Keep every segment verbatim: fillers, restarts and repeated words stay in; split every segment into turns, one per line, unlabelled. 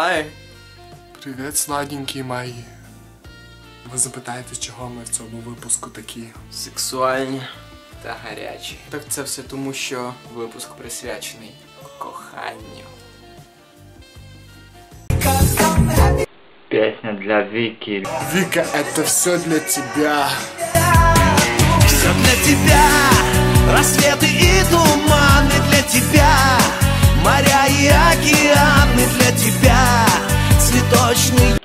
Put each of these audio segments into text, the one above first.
Хай.
Привіт, сладенькі мої. Ви запитаєте, чого ми в цьому випуску такі?
Сексуальні та гарячі. Так це все тому, що випуск присвячений коханню.
Песня для Вики.
Вика, это все для тебя.
Все для тебя, рассветы и туманы для тебя, моря и океаны для тебя, цветочный.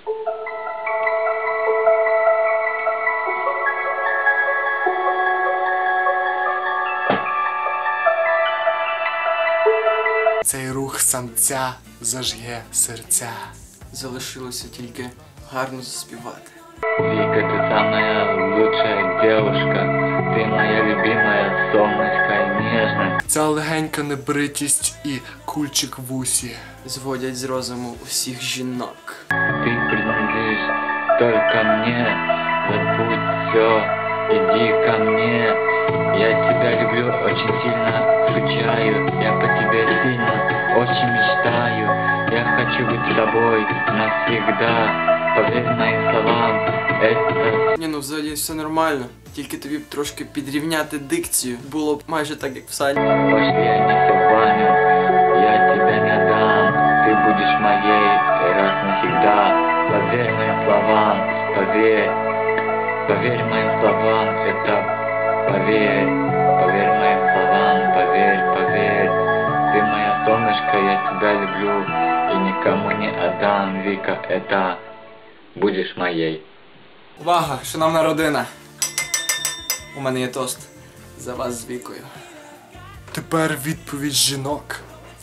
Цей рух самця зажге серця.
Залишилося тільки гарно заспівати.
Вика, ты самая лучшая девушка. Ты моя любимая, солнышко и нежная.
Ця легенька небритість і кульчик в усі
Зводять з розуму усіх жінок.
Ты принадлежишь только мне. Забудь все, иди ко мне. Я тебя люблю, очень сильно скучаю. Я по тебе сильно, очень мечтаю. Я хочу быть с тобой навсегда. Поверь моим словам, это...
Ні, ну взагалі все нормально. Тільки тобі б трошки підрівняти дикцію. Було б майже так, як в салі.
Пошли они все в баню, я тебя не дам. Ты будешь моей раз навсегда. Поверь моим словам, поверь. Поверь моим словам, это поверь. Поверь моим словам, поверь, поверь. Ты моя солнышко, я тебя люблю. И никому не отдам, Вика, это будешь моей.
Увага, шановна родина. У мене є тост за вас з Вікою.
Тепер відповідь жінок.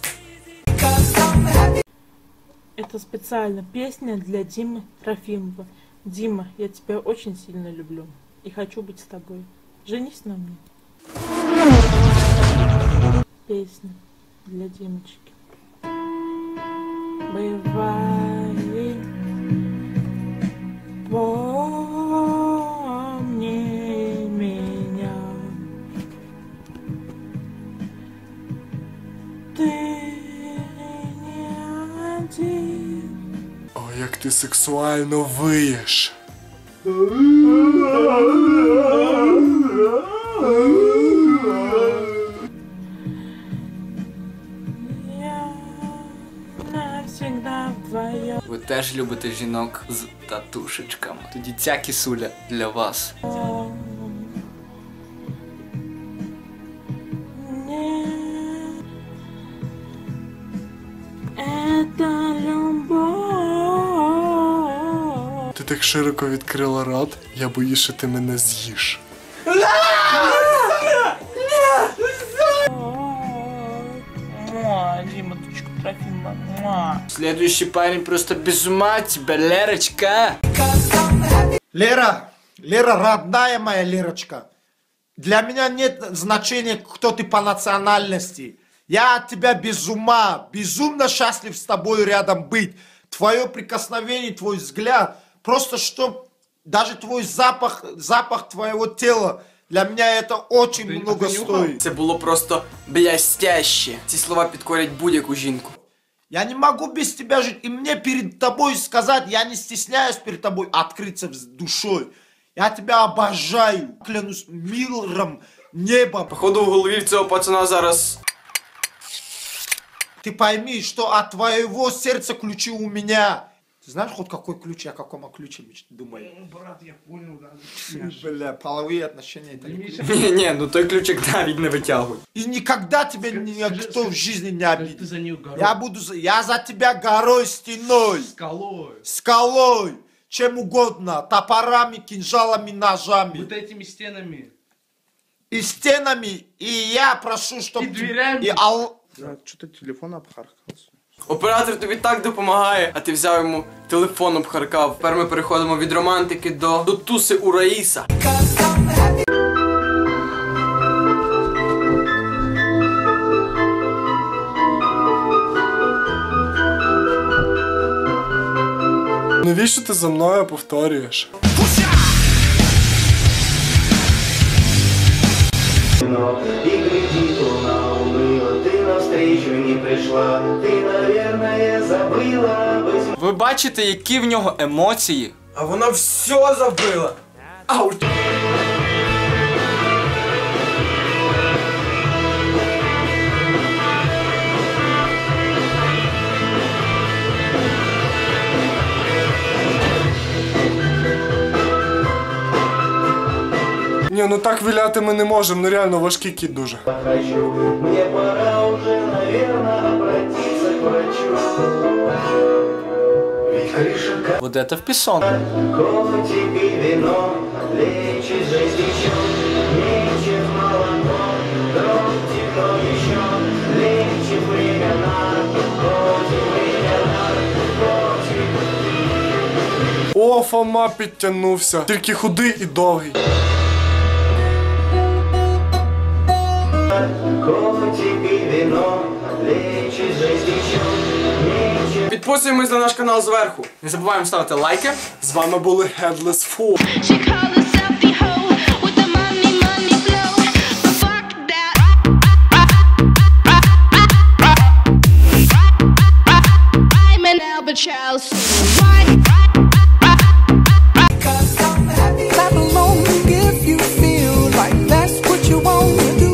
Это специально песня для Димы Трофимова. Дима, я тебя очень сильно люблю и хочу быть с тобой. Женись на мне. Песня для Димочки. Бывает, помни меня. Ты не один.
О, як ти сексуально виєш.
Я навсегда твоя.
Ви теж любите жінок з татушечками. Тоді ця кисуля для вас.
Нет, это любовь.
Ти так широко відкрила рот, я боюсь, що ти мене з'їш.
Муа, Дима, дочка Трофима. Муа.
Следующий парень просто без ума от тебя, Лерочка.
Лера, Лера, родная моя Лерочка, для меня нет значения, кто ты по национальности. Я от тебя без ума, безумно счастлив с тобой рядом быть. Твое прикосновение, твой взгляд, просто что даже твой запах, запах твоего тела, для меня это очень много стоит.
Це було просто блестяще. Ці слова підкорять будь-яку жінку.
Я не могу без тебя жить, и мне перед тобой сказать, я не стесняюсь перед тобой открыться душой. Я тебя обожаю, клянусь миром, небом.
Походу в голові в цього пацана зараз...
Ты пойми, что от твоего сердца ключи у меня. Ты знаешь хоть какой ключ, о каком ключе думаю?
Брат, я понял, да.
Бля, половые отношения это не ключ.
Ні-ні, ну той ключик навіть не витягуй.
И никогда тебя никто в жизни не
Ты
обидит.
за нее горой.
Я буду, за- я за тебя горой, стеной,
Скалой.
скалой, чем угодно, топорами, кинжалами, ножами.
Вот этими стенами.
И стенами, и я прошу, чтобы...
И дверями.
И ал...
Что-то телефон обхаркався.
Оператор тобі так допомагає, а ти взяв йому телефон обхаркав. Тепер ми переходимо від романтики до, до туси у Раїса.
Навіщо ти за мною повторюєш?
вино. И глядит луна уныло, ты навстречу не пришла. Ты, наверное, забыла быть.
Ви бачите, які в нього емоції?
А вона все забила. Ау!
Ні, ну так виляти ми не можемо, ну реально важкий кіт дуже.
Хочу, мне пора уже, наверное, обратиться к врачу. Ведь крыша
Будете в пісон.
котик и вино, лечит жизнь еще, лечит молоко, дров темно еще, лечит времена, котик времена, котик.
О, Фома підтягнувся. Тільки худий і довгий.
Котик и вино, лечит жизнь еще, лечит.
Підписуємось на наш канал зверху. Не забуваємо ставити лайки.
З вами були Headless Fool.
She called herself the hoe with the money, money flow. But fuck that. I'm an albatross. Why?